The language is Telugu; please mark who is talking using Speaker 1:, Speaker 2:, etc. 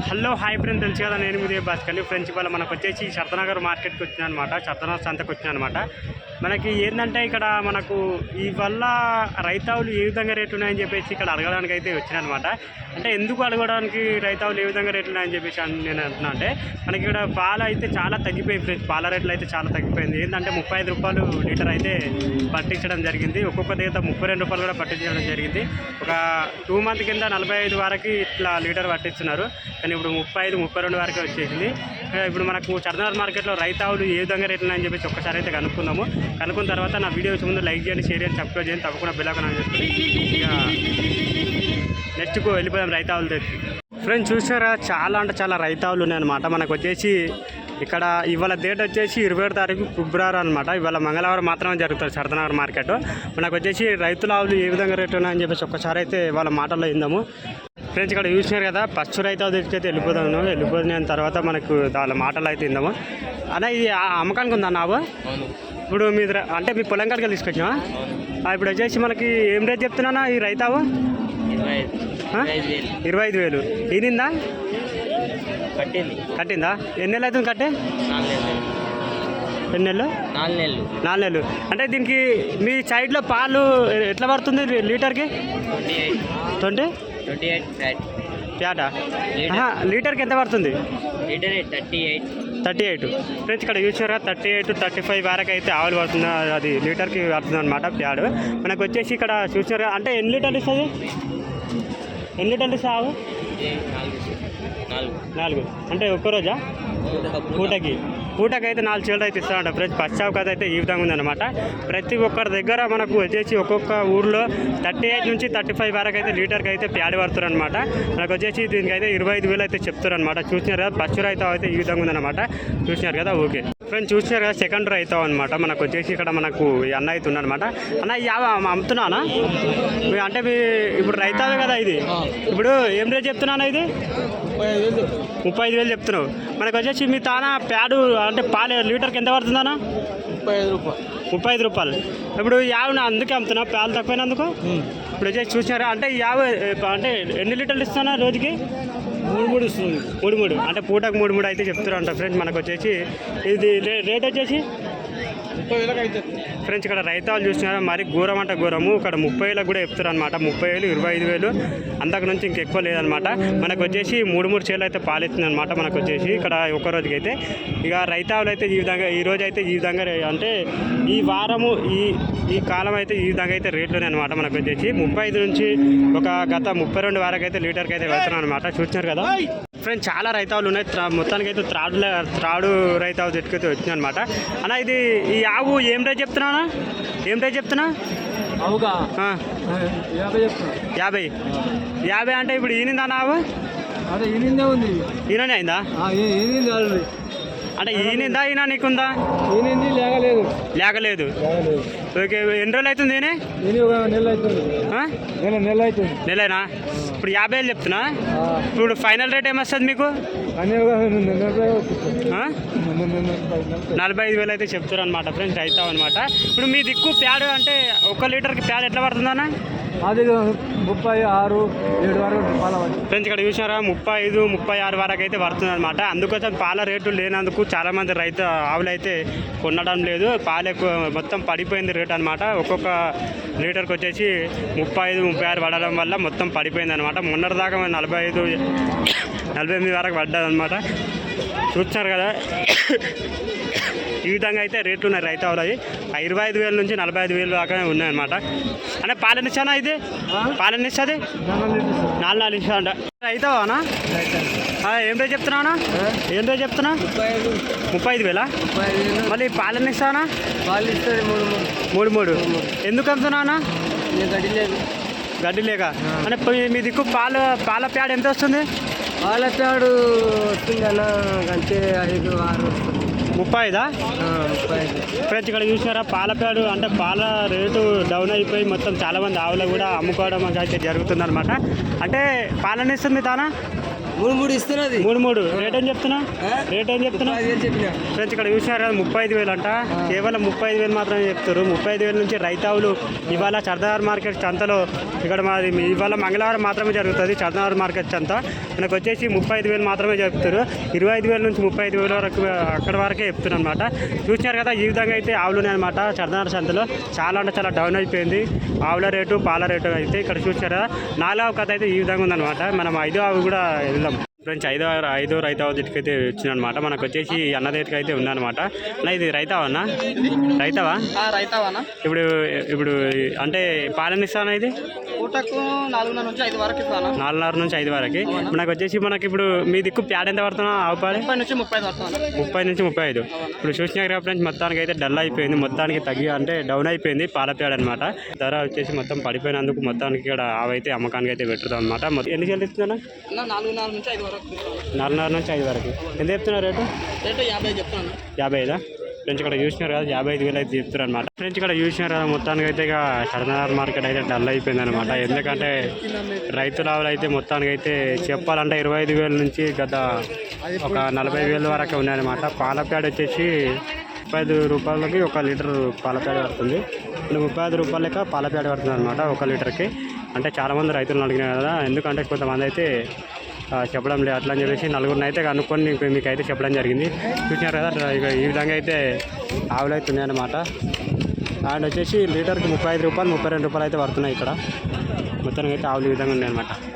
Speaker 1: హలో హాయ్ ఫ్రెండ్, తెలుసు కదా నేను మీదే భాస్కర్ని. ఫ్రెండ్స్ ఇవాళ మనకు వచ్చేసి శరతనగర్ మార్కెట్కి వచ్చినా అనమాట, శరతనగర్ సంతకు వచ్చినా అనమాట. మనకి ఏంటంటే ఇక్కడ మనకు ఇవల్ల రైతావులు ఏ విధంగా రేట్లు ఉన్నాయని చెప్పేసి ఇక్కడ అడగడానికి అయితే వచ్చినా అనమాట. అంటే ఎందుకు అడగడానికి రైతావులు ఏ విధంగా రేట్లు ఉన్నాయని చెప్పేసి నేను అంటున్నా అంటే, మనకి ఇక్కడ పాలు అయితే చాలా తగ్గిపోయింది ఫ్రెండ్స్. పాల రేట్లు అయితే చాలా తగ్గిపోయింది. ఏంటంటే 35 రూపాయలు లీటర్ అయితే పట్టించడం జరిగింది. ఒక్కొక్క దగ్గర 32 రూపాయలు కూడా పట్టించడం జరిగింది. ఒక 2 మంత్ కింద 45 వరకు ఇట్లా లీటర్ పట్టిస్తున్నారు, కానీ ఇప్పుడు 35, 32 వరకే వచ్చేసింది. ఇప్పుడు మనకు శరతనగర్ మార్కెట్లో రైతావులు ఏ విధంగా రేట్లు ఉన్నాయని చెప్పేసి ఒక్కసారి అయితే కనుక్కున్న తర్వాత నా వీడియో వచ్చే ముందు లైక్ చేయండి, షేర్ చేయండి, సబ్స్క్రైబ్ చేయండి, తప్పకుండా బెల్ ఐకాన్ ఆన్ చేసుకుని ఇక నెక్స్ట్కు వెళ్ళిపోయాం రైతావులు తెచ్చి. ఫ్రెండ్స్ చూసారా, చాలా అంటే చాలా రైతావులు ఉన్నాయన్నమాట. మనకు వచ్చేసి ఇక్కడ ఇవాళ డేట్ వచ్చేసి 27 తారీఖు ఫిబ్రవరి అనమాట. ఇవాళ మంగళవారం మాత్రమే జరుగుతుంది శరతనగర్ మార్కెట్. మనకు వచ్చేసి రైతుల ఆవులు ఏ విధంగా రేట్లు ఉన్నాయని చెప్పేసి ఒక్కసారి అయితే వాళ్ళ మాటల్లో ఇందాము. ఫ్రెండ్స్ ఇక్కడ చూసినారు కదా, ఫస్ట్ రైతావు తెచ్చితే వెళ్ళిపోతున్నాం తర్వాత మనకు వాళ్ళ మాటలు అయితే ఇందాము. అన్న ఇది అమ్మకానికి ఉందా నావు? ఇప్పుడు మీ అంటే మీ పొలం కాడికి తీసుకొచ్చినా? ఇప్పుడు వచ్చేసి మనకి ఏం రేట్ చెప్తున్నా ఈ రైతావు? 25,000. ఈనిందా? కట్టిందా? ఎన్ని నెలలు అవుతుంది కట్టే? 4 నెలలు. 4 నెలలు. అంటే దీనికి మీ సైడ్లో పాలు ఎట్లా పడుతుంది లీటర్కి? 28 ప్యాటా లీటర్కి ఎంత పడుతుంది? 38. ఫ్రెండ్స్ ఇక్కడ చూసారా, 38, 35 వరకు అయితే ఆవులు పడుతుంది. అది లీటర్కి పడుతుంది అనమాట ప్యాడ్. మనకు వచ్చేసి ఇక్కడ చూసారా, అంటే ఎన్ని లీటర్లు ఇస్తుంది? ఎన్ని లీటర్లు ఇస్తుంది ఆవు? 4. అంటే ఒక్కరోజా? పూటకి అయితే 4 చీలలు అయితే ఇస్తామంట ఫ్రెండ్స్. ఫస్ట్ షాప్ అయితే ఈ విధంగా ఉందన్నమాట. ప్రతి ఒక్కరి దగ్గర మనకు వచ్చేసి ఒక్కొక్క ఊర్లో 38 నుంచి 35 వరకు అయితే లీటర్కి అయితే ప్యాడ్ పడుతారు అనమాట. మనకు వచ్చేసి దీనికి అయితే 25,000 అయితే చెప్తారు అనమాట. చూసినారు కదా, ఫస్ట్ రైతావు అయితే ఈ విధంగా ఉందన్నమాట. చూసినారు కదా, ఓకే ఫ్రెండ్స్. చూసినారు కదా, సెకండ్ రైతావు అనమాట. మనకు వచ్చేసి ఇక్కడ మనకు అన్న అయితే ఉన్నారనమాట. అన్న అమ్ముతున్నానా? అంటే మీ ఇప్పుడు రైతావే కదా ఇది, ఇప్పుడు ఏం రేట్ చెప్తున్నానా? ఇది 35,000 చెప్తున్నావు. మనకు వచ్చేసి మీ తానా ప్యాడు అంటే పాలు లీటర్కి ఎంత పడుతుందన్నా? 35 రూపాయలు. ఇప్పుడు యాభై అందుకే అమ్ముతున్నా, పాలు తక్కువైనందుకు. ఇప్పుడు వచ్చేసి చూసినారా, అంటే 50 అంటే ఎన్ని లీటర్లు ఇస్తున్నా రోజుకి? 3 ఇస్తుంది. 3 అంటే పూటకు 3 అయితే చెప్తారంట ఫ్రెండ్స్. మనకు వచ్చేసి ఇది రేట్ వచ్చేసి 30,000 అయితే ఫ్రెండ్స్. ఇక్కడ రైతాలు చూసినారా, మరి ఘోరం అంటే ఘోరము. ఇక్కడ 30,000 కూడా చెప్తారు అనమాట. 30,000, 25,000 అంతకు నుంచి ఇంకెక్కువ లేదనమాట. మనకు వచ్చేసి 3 చీరలు అయితే పాలిస్తుంది అనమాట. మనకు వచ్చేసి ఇక్కడ ఒక్క రోజుకి అయితే ఇక రైతావులు అయితే ఈ విధంగా ఈ రోజు అయితే ఈ విధంగా, అంటే ఈ వారము ఈ కాలం అయితే ఈ విధంగా అయితే రేట్లునే అనమాట. మనకు వచ్చేసి 35 నుంచి ఒక గత 32 వరకు అయితే లీటర్కి అయితే వెళ్తున్నాం అనమాట. చూసినారు కదా ఫ్రెండ్స్, చాలా రైతావులు ఉన్నాయి. మొత్తానికి అయితే త్రాడు రైతావు తెట్టుకైతే వచ్చినాయి అనమాట. అన్న ఇది ఈ ఆవు ఏం రేట్ చెప్తున్నా? 50 అంటే ఇప్పుడు ఈనిందా ఆవు? ఈయననే అయిందా? అంటే ఈనిందా ఈయన నీకుందా? లేకలేదు. ఓకే, ఎన్ని రోజులు అవుతుంది? నెలనా? ఇప్పుడు 50,000 చెప్తున్నా. ఇప్పుడు ఫైనల్ రేట్ ఏమొస్తుంది మీకు? 45,000 అయితే చెప్తారు అనమాట ఫ్రెండ్స్, అవుతావు అనమాట. ఇప్పుడు మీ దిక్కు ప్యాడ్ అంటే 1 లీటర్కి ప్యాడ్ ఎట్లా పడుతుందన్నా?
Speaker 2: అది 36, 7 వరకు
Speaker 1: ఫ్రెండ్స్. ఇక్కడ చూసినారా, 35, 36 వరకు అయితే పడుతుంది అనమాట. అందుకోసం పాల రేటు లేనందుకు చాలామంది ఆవులు అయితే కొనడం లేదు. పాలు ఎక్కువ మొత్తం పడిపోయింది రేట్ అనమాట. ఒక్కొక్క లీటర్కి వచ్చేసి 35, 36 పడడం వల్ల మొత్తం పడిపోయింది అనమాట. మొన్నటిదాకా 45, 48 వరకు పడ్డది అనమాట. చూస్తున్నారు కదా, ఈ విధంగా అయితే రేట్లు ఉన్నాయి రైతావులు. అవి 25,000 నుంచి 45,000 దాకా ఉన్నాయన్నమాట. అంటే పాలన ఇస్తానా? ఇది పాలన ఇస్తుంది 4 ఇస్తా అంట. రైతావానా? ఏం రేట్ చెప్తున్నావునా? ఏం రేట్ చెప్తున్నా? 35,000. మళ్ళీ పాలన ఇస్తానా?
Speaker 2: పాలు ఇస్తుంది
Speaker 1: 3. ఎందుకు అమ్ముతున్నానా? గడ్డి లేక. అంటే మీ దిక్కు పాల ప్యాడ్ ఎంత వస్తుంది?
Speaker 2: పాల ప్యాడు వస్తుంది అన్న, అంతే 5, 6 వస్తుంది.
Speaker 1: 35. ఫ్రెండ్స్ ఇక్కడ చూసినారా, పాల ప్యాడు అంటే పాల రేటు డౌన్ అయిపోయి మొత్తం చాలామంది ఆవులు కూడా అమ్ముకోవడం అయితే జరుగుతుంది అనమాట. అంటే పాలన ఇస్తుంది తానా?
Speaker 2: 3 ఇస్తున్నది.
Speaker 1: 3 రేట్ ఏం చెప్తున్నా? ఫ్రెండ్స్ ఇక్కడ చూసినారు కదా, 35,000 అంట. కేవలం 35,000 మాత్రమే చెప్తారు. 35,000 నుంచి రైతావులు ఇవాళ శరతనగర్ మార్కెట్ సంతలో ఇక్కడ మాది ఇవాళ మంగళవారం మాత్రమే జరుగుతుంది శరతనగర్ మార్కెట్ సంత. మనకు వచ్చేసి 35,000 మాత్రమే చెప్తారు. 25,000 నుంచి 35,000 వరకు అక్కడ వరకే చెప్తున్నారు అనమాట. చూసినారు కదా, ఈ విధంగా అయితే ఆవులు ఉన్నాయన్నమాట. చర్దనార సంతలో చాలా అంటే చాలా డౌన్ అయిపోయింది ఆవుల రేటు, పాల రేటు అయితే. ఇక్కడ చూసినారు కదా, 4వ కథ అయితే ఈ విధంగా ఉందన్నమాట. మనం 5వ ఆవు కూడా వెళ్దాం ఫ్రెండ్స్. ఐదో రైతావ దగ్గరికి అయితే వచ్చిందనమాట. మనకు వచ్చేసి అన్న దగ్గరికి అయితే ఉందన్నమాట. అన్న ఇది రైతావా అన్న? రైతావా? ఇప్పుడు ఇప్పుడు అంటే పాలన ఇస్తానా? ఇది
Speaker 2: పూటకు 4:30 నుంచి 5 వరకు ఇస్తాను.
Speaker 1: 4:30 నుంచి 5 వరకు. మనకు వచ్చేసి మనకి ఇప్పుడు మీ దిక్కు ప్యాడ్ ఎంత పడుతున్నా? ఆవు పాలు
Speaker 2: 30 నుంచి 35 పడుతుంది.
Speaker 1: 30 నుంచి 35. ఇప్పుడు చూసినా కదా ఫ్రెండ్స్, మొత్తానికి అయితే డల్ అయిపోయింది, మొత్తానికి తగ్గి అంటే డౌన్ అయిపోయింది పాల ప్యాడ్ అనమాట. ధర వచ్చేసి మొత్తం పడిపోయినందుకు మొత్తానికి ఇక్కడ ఆవు అయితే అమ్మకానికి అయితే పెట్టుతాం అనమాట. ఎన్ని చెల్లిస్తున్నా?
Speaker 2: 4:30 నుంచి 5 వరకు.
Speaker 1: 4:30 నుంచి 5 వరకు. ఎంత చెప్తున్నారు రేటు?
Speaker 2: రేటు 50 చెప్తాను.
Speaker 1: 55 ఫ్రెండ్స్. ఇక్కడ చూసినారు కదా, 55,000 అయితే చెప్తారు అనమాట. ఫ్రెండ్స్ ఇక్కడ చూసినారు కదా, మొత్తానికి అయితే ఇక చర్దనార్ మార్కెట్ అయితే డల్ అయిపోయింది అనమాట. ఎందుకంటే రైతుల ఆవులు అయితే మొత్తానికి అయితే చెప్పాలంటే 25,000 నుంచి గత ఒక 40,000 వరకు ఉన్నాయన్నమాట. పాల ప్యాడ్ వచ్చేసి 35 రూపాయలకి 1 లీటర్ పాల ప్యాడ్ పడుతుంది. 35 రూపాయల లెక్క పాల ప్యాడ్ పడుతుంది అనమాట 1 లీటర్కి. అంటే చాలామంది రైతులను అడిగినారు కదా, ఎందుకంటే కొంతమంది అయితే చెప్పడం లేదు అట్లా అని చెప్పేసి నలుగురిని అయితే కనుక్కొని మీకు అయితే చెప్పడం జరిగింది. చూసినారు కదా, ఇక ఈ విధంగా అయితే ఆవులు అయితే ఉన్నాయన్నమాట. అండ్ వచ్చేసి లీటర్కి 35 రూపాయలు 32 రూపాయలు అయితే పడుతున్నాయి ఇక్కడ. మొత్తానికి అయితే ఆవులు ఈ విధంగా ఉన్నాయన్నమాట.